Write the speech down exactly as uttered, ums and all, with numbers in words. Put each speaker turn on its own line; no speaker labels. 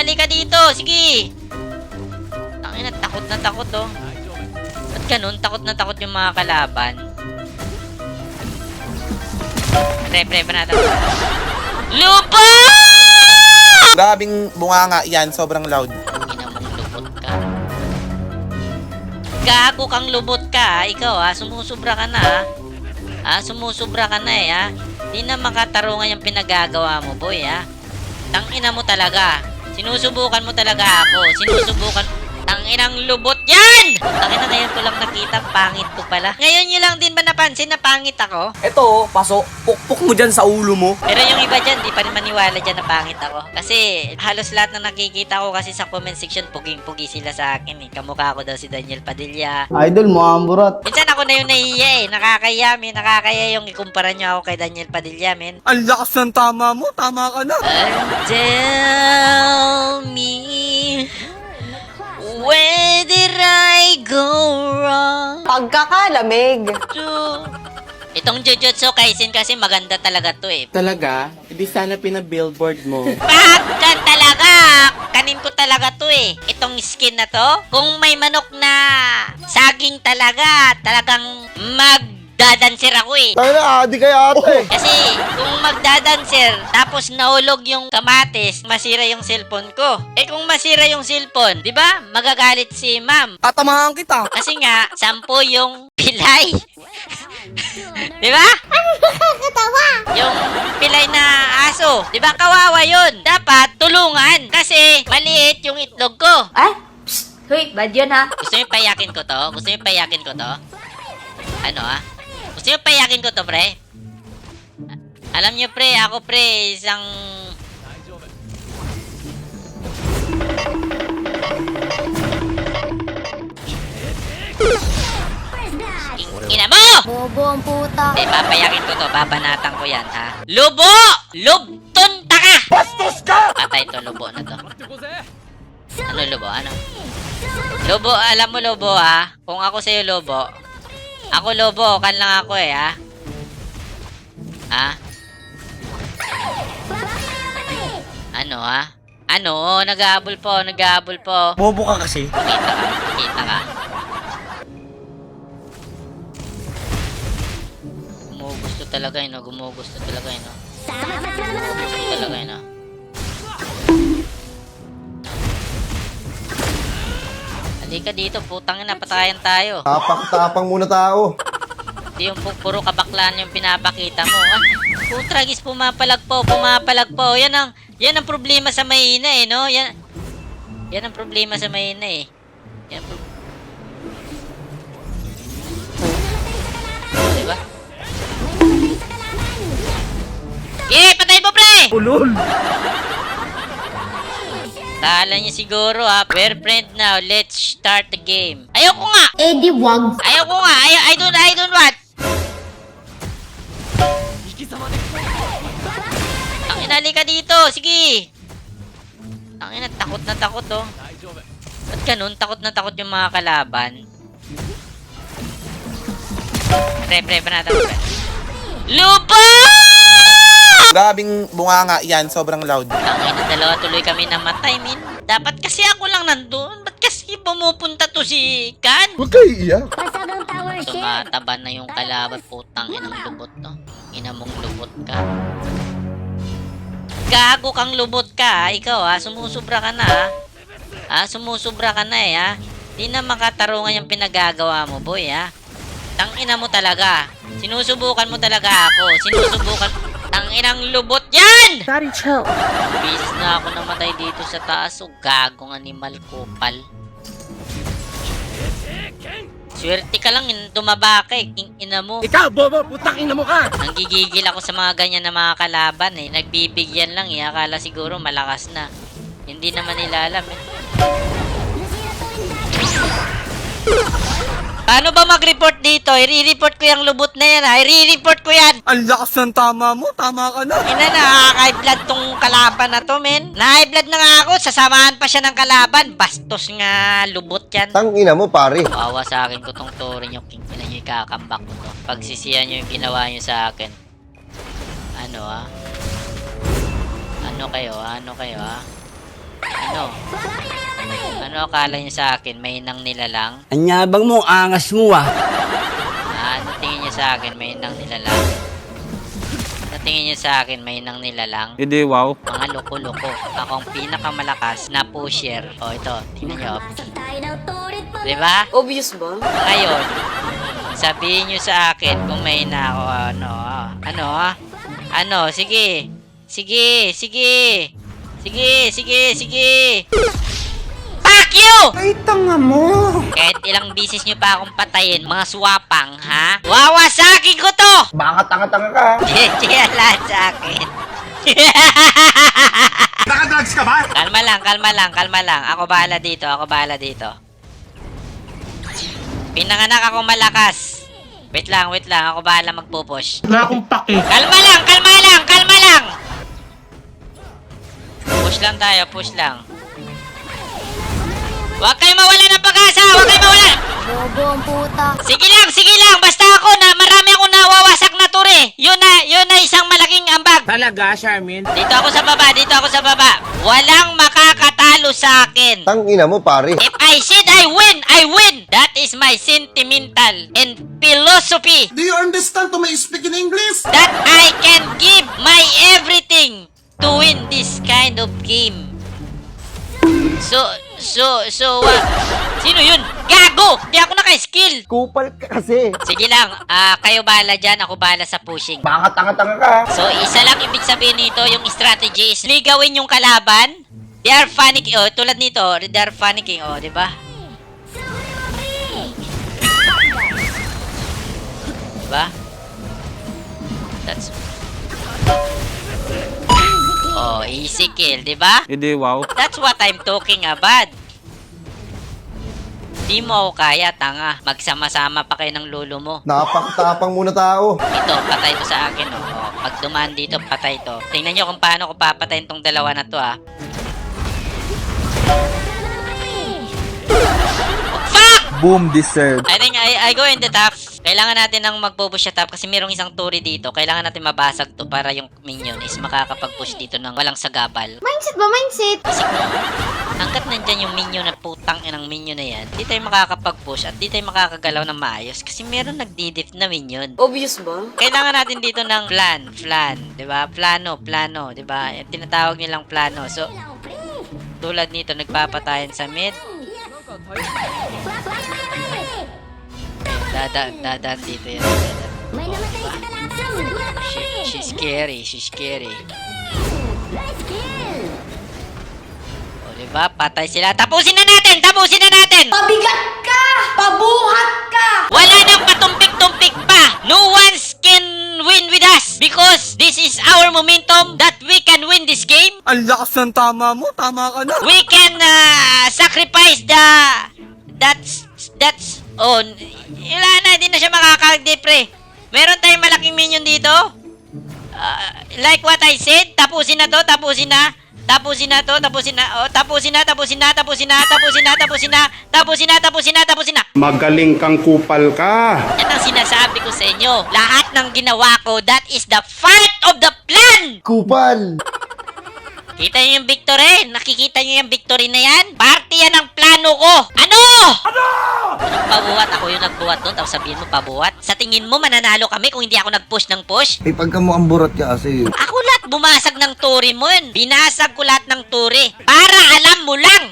halika dito. Sige. Tangina, takot na takot oh. Ba't ganun? Takot na takot yung mga kalaban. Pre, pre, pre natin. Lupa!
Grabing bunganga yan, sobrang loud.
Ina mong lubot ka. Gago kang lubot ka, ha? Ikaw ha, sumusubra ka na ha. Ha, sumusubra ka na eh ha. Di na makatarungan yung pinagagawa mo, boy ha. Tangina mo talaga. Sinusubukan mo talaga ako. Sinusubukan. Tanginang lubot yan! Tangina, ngayon ko lang nakita, pangit ko pala. Ngayon nyo lang din ba napansin na pangit ako?
Eto, paso, pukpuk mo dyan sa ulo mo.
Pero yung iba dyan, di pa rin maniwala dyan na pangit ako. Kasi halos lahat na nakikita ko kasi sa comment section, puging-pugi sila sa akin eh. Kamukha ko daw si Daniel Padilla.
Idol mo, amburat.
Minsan ako na yung nahiya eh. Nakakaya, men. Nakakaya yung ikumpara nyo ako kay Daniel Padilla, men.
Ang lakas ng tama mo, tama ka na.
And tell me, where did I go wrong?
Pagkakalamig.
To... Itong Jujutsu Kaisen kasi maganda talaga to eh.
Talaga? Hindi sana pina-billboard mo.
Pagkan talaga! Kanin ko talaga to eh. Itong skin na to, kung may manok na saging talaga, talagang magdadancer ako eh.
Tayo na, adi kaya ate.
Kasi kung magdadancer, tapos nahulog yung kamatis, masira yung cellphone ko. Eh kung masira yung cellphone, di ba? Magagalit si ma'am.
Tatamahan kita.
Kasi nga, sampo yung pilay. Di ba? Yung pilay na aso. Di ba kawawa yun? Dapat tulungan. Kasi maliit yung itlog ko.
Ay, psst, huy, bad yun ha.
Gusto niyo payakin ko to? Gusto niyo payakin ko to? Ano ah? Gusto niyo payakin ko to, pre? Alam niyo, pre, ako, pre, isang... Ina mo!
Bobo ang puta.
Eh, papayakin ko to. Babanatan ko yan, ha? Lubo! Lubton taka! Bastos ka! Patay to, lubo na to. Ano, lubo? Ano? Lubo, alam mo, lubo, ha? Kung ako sa'yo, lubo. Ako, lubo. Kan lang ako, eh, ha? Ha? Ano, ha? Ano? Nag-aabol po, nag-aabol po.
Bobo ka kasi.
Kita ka, kita ka. Gumugusto talaga yun, no? Gumugusto talaga yun, no? Gumugusto talaga yun, no? Halika dito, putang ina, patayan tayo.
Tapak-tapang muna tao.
Hindi yung pu- puro kabaklaan yung pinapakita mo. Ah, putragis, pumapalag po, pumapalag po. Yan ang, yan ang problema sa mahina eh, no? Yan, yan ang problema sa mahina eh. Yan ang pro- Diba? Eh, patay mo, pre!
Ulol.
Kala niya siguro ha, we're friend now, let's start the game. Ayoko nga!
Eh di wag.
Ayoko nga! Ay, I don't, I don't want! Ang inali ka dito! Sige! Ang ina, takot na takot oh. Ba't ganun? Takot na takot yung mga kalaban. Pre, pre, pre natin. Pre. Lupa!
Grabing bunganga yan, sobrang loud.
Tangina, dalawa tuloy kami namatay, min. Dapat kasi ako lang nandun. Ba't kasi pumupunta to si Kan?
Huwag kayo iiyak.
Pasagang tower shit.
Tumataba na yung kalaban. Putang inang lubot to. Ina mong lubot ka. Gago kang lubot ka, ha? Ikaw, ha? Sumusubra ka na, ha? Ha? Sumusubra ka na, eh, ha? Di na makatarungan yung pinagagawa mo, boy, ha? Tangina mo talaga. Sinusubukan mo talaga ako. Sinusubukan... Tanginang lubot yan!
Daddy, chill.
Bis na ako namatay dito sa taas. O gagong animal kupal. Swerte ka lang, tumaba ka eh. King ina mo.
Ikaw, bobo, putang ina mo ka.
Nanggigigil ako sa mga ganyan na mga kalaban eh. Nagbibigyan lang eh. Akala siguro malakas na. Hindi naman nila alam eh. Paano ba mag-report dito? I-report ko yung lubot na yan ha. I-report ko yan.
Ang lakas ng tama mo, tama ka na.
Ina, nakaka-high blood tong kalaban na to, men. Na-high blood na nga ako. Sasamahan pa siya ng kalaban. Bastos nga, lubot yan.
Tangina mo, pare.
Kawawa sa akin ko tong turing yung king ina nyo ikakambak ko to. Pagsisiyan nyo yung ginawa nyo sa akin. Ano ah? Ano kayo ah? Ano kayo ah? Ano? Ano akala niyo sa akin? May nang nilalang?
Anyabang mo, angas mo ah.
Ah, ano tingin niyo sa akin? May nang nilalang? Ano tingin niyo sa akin? May nang nilalang?
Hindi, wow.
Mga loko-loko. Ako ang pinakamalakas na pusher. O, ito. Tingnan niyo. Diba?
Obvious ba?
Ngayon, sabihin niyo sa akin kung may na ako, ano, ah. Ano, ah? Ano, sige. Sige, sige. Sige, sige, sige. Fuck you!
Ay, tanga mo.
Kahit ilang bisis niyo pa akong patayin, mga swapang, ha? Wawasakin ko to!
Baka tanga-tanga ka.
Jeje, lahat sa akin.
Nakadrugs ka ba?
Kalma lang, kalma lang, kalma lang. Ako bahala dito, ako bahala dito. Pinanganak ako malakas. Wait lang, wait lang. Ako bahala magpupush.
Wala akong pake.
Kalma lang, kalma lang, kalma lang! Push lang tayo, push lang. Huwag kayo mawala ng pag-asa! Huwag kayo mawala!
Bobo ang puta.
Sige lang, sige lang! Basta ako na marami akong nawawasak na turi. Yun na, yun na isang malaking ambag.
Talaga, Charmin?
Dito ako sa baba, dito ako sa baba. Walang makakatalo sa akin.
Tang ina mo, pare.
If I said I win, I win! That is my sentimental and philosophy.
Do you understand to my speak in English?
That I can give my everything to win this kind of game. So, so, so, what? Sino yun? Gago! Di ako naka-skill!
Kupal ka kasi.
Sige lang, ah, kayo bahala dyan, ako bahala sa pushing.
Baka tanga-tanga ka.
So, isa lang ibig sabihin nito, yung strategy is ligawin yung kalaban. They are panicking, oh, tulad nito, they are panicking, oh, di ba? Diba? That's... Oh, easy kill, di ba?
Hindi, wow.
That's what I'm talking about. Di mo ako kaya, tanga. Magsama-sama pa kayo ng lolo mo.
Napakatapang muna tao.
Ito, patay to sa akin, oh. Oh, pag dumaan dito, patay to. Tingnan nyo kung paano ko papatayin tong dalawa na to, ah. Fuck!
Boom, deserve.
I think I, I go in the top. Kailangan natin ng magpo-push sa top kasi mayroong isang turi dito. Kailangan natin mabasag to para yung minion is makakapag-push dito ng walang sagabal.
Mindset ba? Mindset?
Kasi kung hanggat nandyan yung minion na putang inang minion na yan, di tayo makakapag-push at di tayo makakagalaw ng maayos kasi meron nagdidip na minion.
Obvious ba?
Kailangan natin dito ng plan, plan, 'di ba? Plano, plano, 'di ba? Tinatawag nilang plano. So tulad nito nagpapatayan sa mid. Dada, dadaan dito yan.
May namatay sa talasang.
She, she's scary, she's scary. O, diba? Patay sila. Tapusin na natin! Tapusin na natin!
Pabigat ka! Pabuhat ka!
Wala nang patumpik-tumpik pa! No one can win with us! Because this is our momentum that we can win this game.
Ang lakas ng tama mo, tama ka na.
We can uh, sacrifice the... That's... That's... Oh, wala na, hindi na siya makakag-depre. Meron tayong malaking minion dito. Uh, like what I said, tapusin na to, tapusin na. Tapusin na to, tapusin na. Oh, tapusin na, tapusin na, tapusin na, tapusin na, tapusin na, tapusin na, tapusin na, tapusin na.
Magaling kang kupal ka.
Yan ang sinasabi ko sa inyo. Lahat ng ginawa ko, that is the part of the plan.
Kupal.
Kita niyo yung victory? Nakikita niyo yung victory na yan? Parte yan ng plano ko. Ano? Ano? Anong pabuhat? Ako yung nagbuhat doon, tapos sabihin mo pabuhat? Sa tingin mo, mananalo kami kung hindi ako nag-push ng push?
Eh, pagka mo amburat ka kasi.
Ako lahat bumasag ng turi mo yun. Binasag ko lahat ng turi. Para alam mo lang.